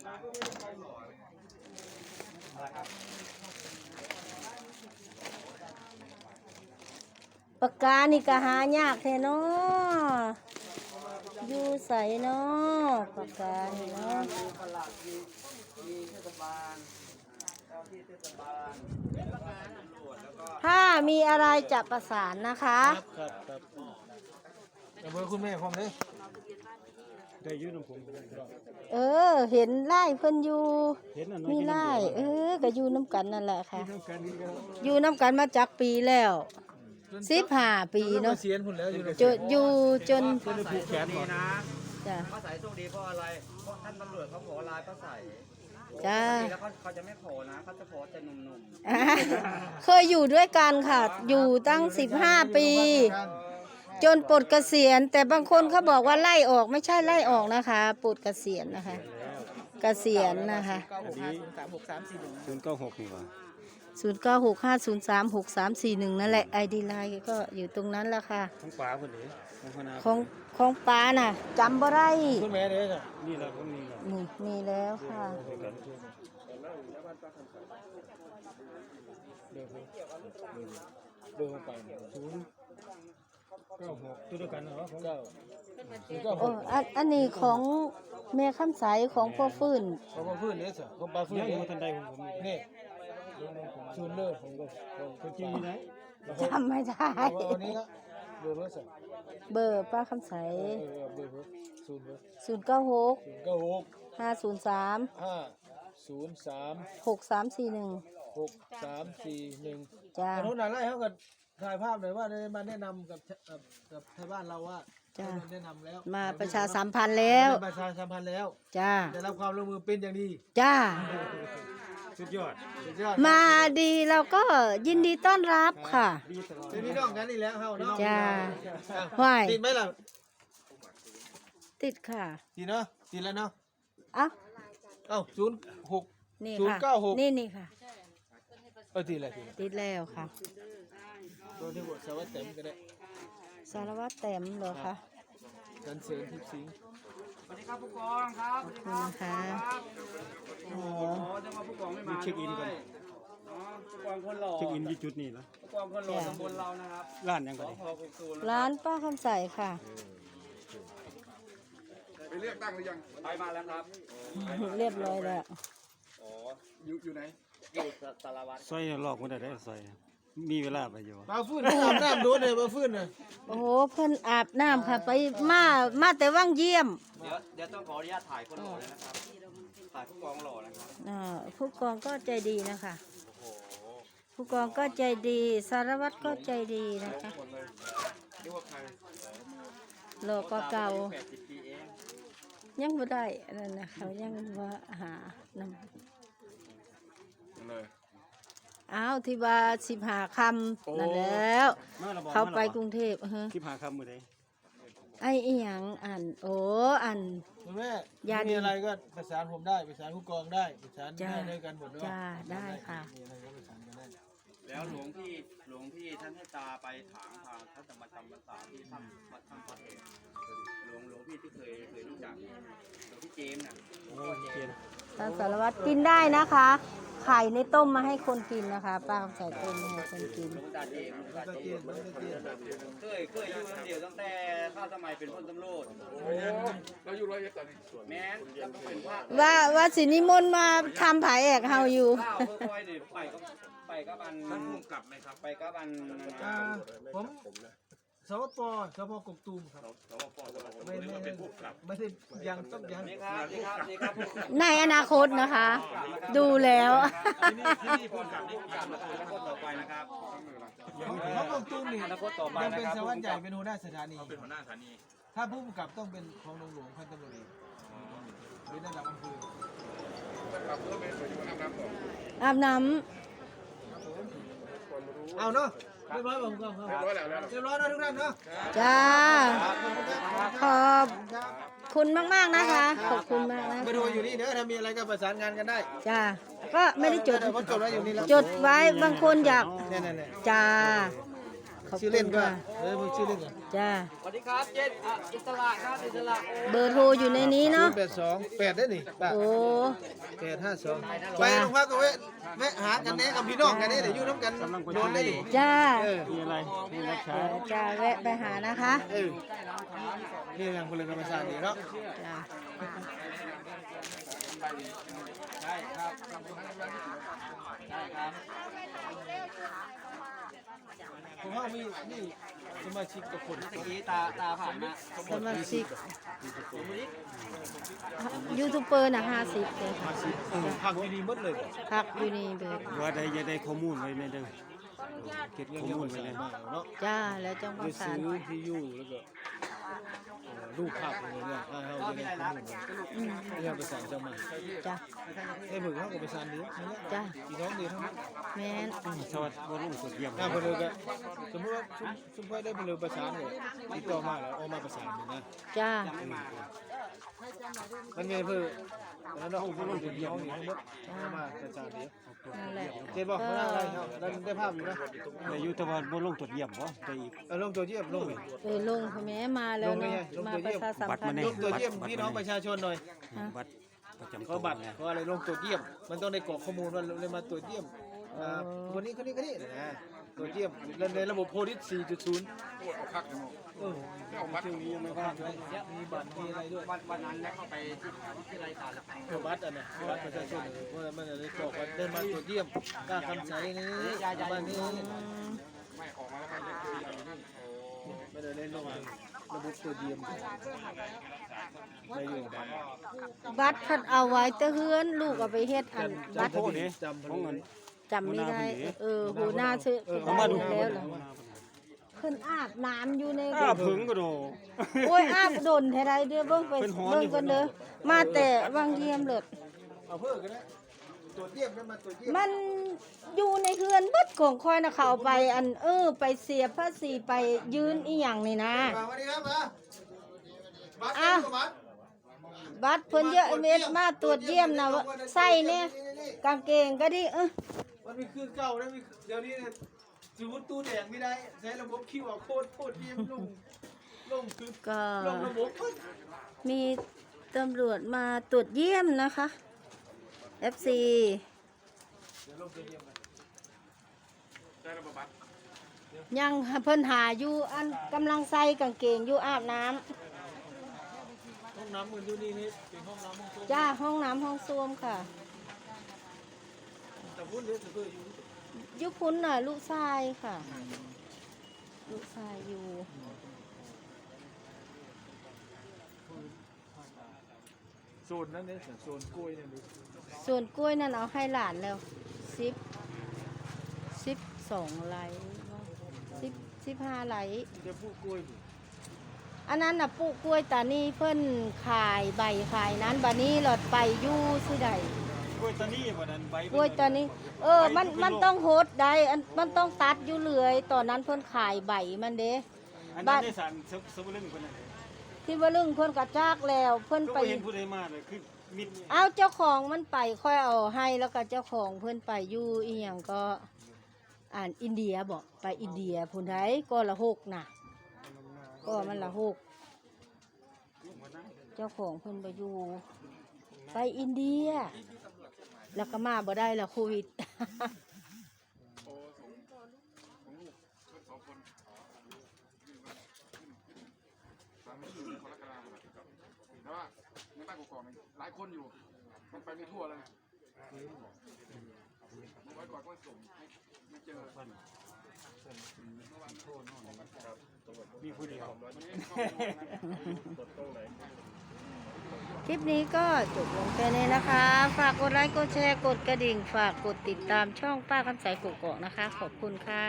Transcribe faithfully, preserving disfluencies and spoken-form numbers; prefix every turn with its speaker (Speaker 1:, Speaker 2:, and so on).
Speaker 1: ปากกานี่ก็หายากแท้เนาะอยู่ใสเนาะปากกานี่เนาะถ้ามีอะไรจะประสานนะคะ
Speaker 2: ครับครับเบอร์คุณแม่ผมเลยได้ยืนน้ำผม
Speaker 1: เออเห็นไล่เพิ่นอยู่มีไล่เออก็อยู่น้ำกันนั่นแหละค่ะอยู่น้ำกันมาจากปีแล้วสิบห้าปีเนาะจนอยู่จน
Speaker 3: ผูกแขนนี่นะ
Speaker 1: จ้ะ
Speaker 3: ป้าใสโชคดีเพราะอะไรเพราะท่านตำรวจเขาขอลายป้าใส
Speaker 1: จ้า
Speaker 3: แล้วเขาเขาจะไม่ขอนะเขาจะขอแต่หนุ่ม
Speaker 1: ๆเคยอยู่ด้วยกันค่ะอยู่ตั้งสิบห้าปีจนปลดเกษียณแต่บางคนเขาบอกว่าไล่ออกไม่ใช่ไล่ออกนะคะปลดเกษียณนะคะเกษียณนะคะ
Speaker 2: ศูนย์เก้าหกนี่วะ
Speaker 1: ศูนย์เก้าหกห้าศูนย์สามหกสามสี่หนึ่งนั่นแหละไอดีไลน์ก็อยู่ตรงนั้นแหละค่ะ
Speaker 2: ของป๋าคนนี้
Speaker 1: ของของป้าน่ะจำบ่ได้
Speaker 2: คุณแม่เด้อนี่แหละผมนี่
Speaker 1: นี่มีแล้วค่ะ
Speaker 2: เดินเดินไปศูนย์เก้าหกตัวเดียวกันเหรอของเก้า
Speaker 1: โอ้อันอันนี้ของแม่คำใสของพ่อฟื้น
Speaker 2: ของพ่อฟื้นเนี่ยสิของป้าฟื้นเนี่ยทันใดของผมนี่ศูนย์เลิศของคนจีนนะ
Speaker 1: จำไม่ได้
Speaker 2: วันนี้ละเบอร์รถสิ
Speaker 1: เบอร์ป้าคำใส
Speaker 2: เบอร์รถศูนย์
Speaker 1: ศูนย์เก้าหก
Speaker 2: เก้าหก
Speaker 1: ห้าศูนย์สาม
Speaker 2: ห้าศูนย์สาม
Speaker 1: หกสามสี่หนึ่ง
Speaker 2: หกสามสี่หนึ่ง
Speaker 1: จ้า
Speaker 2: โน้นอะไรเขาก็ถ่ายภาพหน่อยว่าได้มาแนะนำกับกับชาวบ้านเราว่า
Speaker 1: จ้า
Speaker 2: แนะนำแล้ว
Speaker 1: มาประชาสัมพันธ์แล้ว
Speaker 2: ประชาสัมพันธ์แล้ว
Speaker 1: จ้า
Speaker 2: ได้รับความร่วมมือเป็นอย่างดี
Speaker 1: จ้า
Speaker 2: สุดยอดสุดยอด
Speaker 1: มาดีเราก็ยินดีต้อนรับค่ะ
Speaker 2: เป็นพี่น้องกันนี่แล้วเฮาเนาะ
Speaker 1: จ้าห้วย
Speaker 2: ติดไหมล่ะ
Speaker 1: ติดค่ะ
Speaker 2: ติดเนาะติดแล้วเนาะ
Speaker 1: เอ้า
Speaker 2: เอ้าศูนย์หก
Speaker 1: นี่
Speaker 2: ศูนย์เก้าหก
Speaker 1: นี่นี่ค่ะ
Speaker 2: เออติดแล้ว
Speaker 1: ติดแล้วค่ะ
Speaker 2: ตัวที่บทสารวัตรเต็มก็ได้
Speaker 1: สารวัตรเต็มเหรอคะ
Speaker 2: กันเสริมทิพย์สิงห์
Speaker 3: สวัสดีครับผู้กองครับ
Speaker 1: ขอบคุณค่ะ
Speaker 3: โอ้โหจังหวะผู้กองไม่มา
Speaker 2: เช็คอินก่อน
Speaker 3: ผู้กองคนหล่อ
Speaker 2: เช็คอินที่จุดนี้นะ
Speaker 3: ผู้กองคนหล่อตำบลเรานะครับ
Speaker 2: ร้านยังไง
Speaker 1: ร้านป้าคำใสค่ะ
Speaker 4: ไปเลือกตั้งหรือยัง
Speaker 3: ไปมาแล้วครับ
Speaker 1: เรียบร้อยแล้ว
Speaker 4: อ๋ออยู่อยู่ไหน
Speaker 3: อยู่สารวัตร
Speaker 2: ซอยหลอกมันได้ได้ซอยมีเวลาไปอยู่
Speaker 4: มาฟื้นอาบน้ำโดนเลยมาฟื้นเลย
Speaker 1: โอ้โหเพิ่นอาบน้ำค่ะไปมามาแต่ว่างเยี่ยม
Speaker 3: เดี๋ยวเดี๋ยวต้องขออนุญาตถ่ายคนหล่อเลยนะครับถ่ายผู้กองหล่อนะครับ
Speaker 1: อ่าผู้กองก็ใจดีนะคะผู้กองก็ใจดีสารวัตรก็ใจดีนะคะหล่อก็เก่ายังไม่ได้นั่นนะเขายังว่าหานำอ้าวที่ว่าสิบหาคำนั่นแล้วเขาไปกรุงเทพเฮ้
Speaker 2: สิบหาคำมือใด
Speaker 1: ไอ้อีหยังอ่านโอ้อ่าน
Speaker 2: คุณแม่มีอะไรก็ประสานผมได้ประสานผู้กองได้ประสานได้ด้วยกันหมดด้วย
Speaker 1: จ้าได้ค่ะ
Speaker 3: แล้วหลวงพี่หลวงพี่ท่านให้ตาไปถางทางท่านจะมาจำพรรษาที่ท่านวัดท่านพระเอกหลวงหลวงพี่ที่เคยเคยรู้จักหลวงพี่เจมส์น่ะ
Speaker 1: ท่านสารวัตรกินได้นะคะไข่ในต้มมาให้คนกินนะคะป้าใส่ต้มมาให้คนกิน
Speaker 3: เคยเคยอยู่คนเดียวตั้งแต่ข้าสมัยเป็นพลตำรวจ
Speaker 4: เราอยู่ร้อยเอ็ดตอนนี้
Speaker 3: แม่แล้วก็เป็นภาค
Speaker 1: ว่าว่าสินิมนต์มาทำผายแอกเฮาอยู่
Speaker 3: ข้าวเพื่อคอยเดี๋ยวไปก็ไปก็บัน
Speaker 4: มันพุ่งกลับไหมครับ
Speaker 3: ไปก็บัน
Speaker 2: ผมสวปสวปกกตูมครับ
Speaker 4: สวปไม่ไม่เป็นผู้กลับ
Speaker 2: ไม่ใช่ยังต้องยัง
Speaker 3: นี่ครับนี่ครับนี่ครับ
Speaker 1: ในอนาคตนะคะดูแล้ว
Speaker 4: ที่นี่ที่นี่ผู้กลับนี่ผู้กลับ
Speaker 3: อนาคตต่อไปนะครับ
Speaker 2: เพราะกกตูมนี่ยังเป็นสารวัตรใหญ่เป็นหัวหน้าสถานี
Speaker 4: เป็นหัวหน้าสถานี
Speaker 2: ถ้าผู้กำกับต้องเป็นของหลวงหลวงพันตำรวจเอกหรือระดับอำเภอ
Speaker 4: ครับเพื่อเป็นส่วนที่อาบน้ำก่อน
Speaker 1: อาบน้ำ
Speaker 2: เอาเนาะเรียบร้อยผมก็เรียบร้อยแล้วเรียบร้อยนะทุกท่านเนาะ
Speaker 1: จ้าขอบคุณมากๆนะคะขอบคุณมากนะ
Speaker 2: ไปดูอยู่นี่เด้อถ้ามีอะไรก็ประสานงานกันได้
Speaker 1: จ้าก็ไม่ได้จด
Speaker 2: จดไว้อยู่นี่แล้ว
Speaker 1: จดไว้บางคนอยากจ้าขอบ
Speaker 2: ชื่อ
Speaker 1: คุ
Speaker 2: เล่น
Speaker 1: ณ
Speaker 2: ก็
Speaker 1: ค่ะ
Speaker 2: เออมึงชื่อเล่นก่อน
Speaker 1: จ้า
Speaker 3: สวัสดีครับเจนอ่ะอิสระครับอิสระ
Speaker 1: เบอร์โทรอยู่ในนี้
Speaker 2: ศู
Speaker 1: เนาะ
Speaker 2: นย์แปดสองแปดได้นี่ป้า
Speaker 1: โอ้
Speaker 2: แปดห้าสองไปโรงพักก็แวะแวะหากันแน่กับพี่น้องกันแน่เดี๋ยวอยู่น้ำกันโดนได้ดิ
Speaker 1: จ้า
Speaker 2: เออ
Speaker 1: เดี๋ยวจะแวะไปหานะคะ
Speaker 2: เออนี่ยังพลเรือนธรรมชาติดีเนาะ
Speaker 1: จ้า
Speaker 3: ใช่ครับใช่ครับ
Speaker 2: ผมว่ามีนี่สมาชิกกับคน
Speaker 3: เมื่อกี้ตาตาผ่านมา
Speaker 1: สมาชิกยูทูบเบอร์น่ะห้าสิบเลยค่ะ
Speaker 2: ผักดีๆหมดเลย
Speaker 1: พักอยู่นี่เบิด
Speaker 5: ว่าได้จะได้ข้อมูลไว้ในเด้อเก็บข้อมูลไว้เลย
Speaker 2: มาเนาะ
Speaker 1: จ้าแล้วจังห
Speaker 2: ไป
Speaker 1: วัดสา
Speaker 2: ซื้
Speaker 1: ร
Speaker 2: อที่อยู่แล้วก็รูปภาพอะไรเนี่ยให้เขาจะได้ข้อมูลที่เราประสานเจ้ามา
Speaker 1: จ้า
Speaker 2: ให้เบิกเขาก็ประสานเดียวนั่นแหละ
Speaker 1: จ้า
Speaker 2: พี่น้องเดียวทั้งนั้น
Speaker 1: แม่น
Speaker 5: สวัสดีบ่ลงสุดเยี่ยม
Speaker 2: ถ้าเพนเลยก็สมมติว่าชุมชุมพลได้เพนเลยประสานเลยติดต่อมาแล้วเอามาประสานเลยนะ
Speaker 1: จ้า
Speaker 2: มันไงเพื่อแล้วเราเอาลงจุดเดียวนี่ทั้งหมดเอามาประสานเดียว
Speaker 1: นั่นแหละ
Speaker 2: เจ็บบอกเขาได้อะไรครับเราได้ภาพอยู่นะ
Speaker 5: แต่อยู่แต่ว่าบ่ลงสุดเยี่ยมบ่ได้อีก
Speaker 2: เอาลงตัวเยี่ยมลงเลย
Speaker 1: เออลงพ่อแม่มาแล้วเนาะมาประชาสัมพันธ์
Speaker 2: ลงตัวเยี่ยมพี่น้องประชาชนหน่อย
Speaker 5: บัตรประจำ
Speaker 2: เขาบัตรเขาอะไรลงตัวเยี่ยม มันต้องได้กรอกข้อมูลว่าเลยมาตัวเยี่ยมอ่าคนนี้คนนี้คนนี้นะตัวเยี่ยมในระบบโพลิส สี่จุดศูนย์
Speaker 4: เอาคักเลย
Speaker 2: เออชื่อนี้ยังไม่พลาดเลยมีบัตรมีอะไรด้วย
Speaker 3: วันวันนั้นได้เข้าไปที่ที่รายการแล้ว
Speaker 2: เออบัตรอ่ะนะบัตรประชาชนเพราะมันเลยกรอกว่าได้มาตัวเยี่ยมกล้าคำใสนี้บ้านนี้
Speaker 4: ไม่ออกมาแล้วมันจะคืออย่างนี้
Speaker 2: ไม่ได้เล่นลงระบบตัวเยี่ยมได้อยู่บัตร
Speaker 1: บัตรเพัดเอาไว้แต่เฮือนลูกเอาไปเฮ็ดอันบัตร
Speaker 2: จำพอดีจำพอดี
Speaker 1: จำไม่ได้ เออหูหน้าชื่อ
Speaker 5: เขามาดู
Speaker 1: แล้วเหรอเพิ่นอาบน้ำอยู่ใน
Speaker 5: อ้าผึ่งก็โด
Speaker 1: โอ้ยอาบโดนเท่าไรเด้อเบิ่งไป
Speaker 5: เป็นหอน
Speaker 1: เบิ่ง
Speaker 5: อยู่
Speaker 1: กันเด้อมาแต่วังเยี่ยมเลิศ
Speaker 2: เอาเพิ่มกันนะตัวเยี่ยมแล้วมาตัวเยี่ยม
Speaker 1: มันอยู่ในเฮือนเบิดของคอยน่ะเขาเอาไปอันเออไปเสียภาษีไปยืนอีหยังนี่นะ
Speaker 2: มาวันนี้ครับมาบัตร
Speaker 1: อ่ะ
Speaker 2: บัตร
Speaker 1: บัตรเพิ่นเยอะเม็ดมาตรวจเยี่ยมนะว่าใส่เนี่ยกางเกงก็ดิเออ
Speaker 2: มันมีคือเก่าแล้วมีเดี๋ยวนี้เนี่ยสมมติตู้แดงไม่ได้ใช้ระบบคิวอาร์โค้ดโคตรเยี่ยมลงลงคือ
Speaker 1: ก็
Speaker 2: ลงระบบปึ๊บ
Speaker 1: มีตำรวจมาตรวจเยี่ยมนะคะ เอฟ ซี
Speaker 2: เดี๋ยวลงตัวเยี่ยมกัน
Speaker 4: ได้ระบบบัตร
Speaker 1: ยังเพิ่นหาอยู่อันกำลังใส่กางเกงอยู่อาบน้ำ
Speaker 2: ห้องน้ำมือดูนี่นี่เป็นห้องน้ำห้องโถง
Speaker 1: จ้าห้องน้ำห้องส้วมค่ะ
Speaker 2: แต่พูดเรื่องจะเพื่ออยู่
Speaker 1: ยุคพุ้นน่ะลูกชายค่ะ ลูกชายอยู่
Speaker 2: โซนนั้นเนี่ยโซนกล้วยเนี่ยดู
Speaker 1: ส่วนกล้วยนั่นเอาให้หลานแล้วสิบสิบสองไหลสิบสิบห้าไหล
Speaker 2: จะพูดกล้วยดิ
Speaker 1: อันนั้นน่ะปลูกกล้วยตานี่เพิ่นขายใบขายนั้นบัดนี้หลอดไปอยู่สิใด
Speaker 5: กล้วยตานีบ่นั้นใบ
Speaker 1: กล้วยตานี้ เออ มันมันต้องโหดได้อันมันต้องตัดอยู่เรื่อยตอนนั้นเพิ่นขายใบมันเด้
Speaker 5: อันนั้นได้สารสมลึงเพิ่นน่ะ
Speaker 1: ที่ว่าลึงเพิ่นกระจากแล้วเพิ่น
Speaker 5: ก็
Speaker 1: ไป
Speaker 5: เห็นผู้ใดมาเลยคือมิด
Speaker 1: เอาเจ้าของมันไปค่อยเอาให้แล้วก็เจ้าของเพิ่นไปอยู่อีหยังก็อ่านอินเดียบอกไปอินเดียพุ่นไดก็ละหกน่ะ ก็มันละหกเจ้าของเพิ่นไปอยู่ ไปอินเดีย แล้วก็มาบ่ได้ละโควิด
Speaker 4: สามชื่อในคนละกลางแต่ว่าในบ้านกอกๆเนี่ยหลายคนอยู่ มันไปไม่ทั่วเลยเมื่อวันก่อนก็ส่งไม่ไม่เจอ
Speaker 5: มีผู้เดียว
Speaker 1: คลิปนี้ก็จบลงแค่นี้นะคะ ฝากกดไลค์ กดแชร์ กดกระดิ่ง ฝากกดติดตามช่องป้าคำใสกุกเกาะนะคะ ขอบคุณค่ะ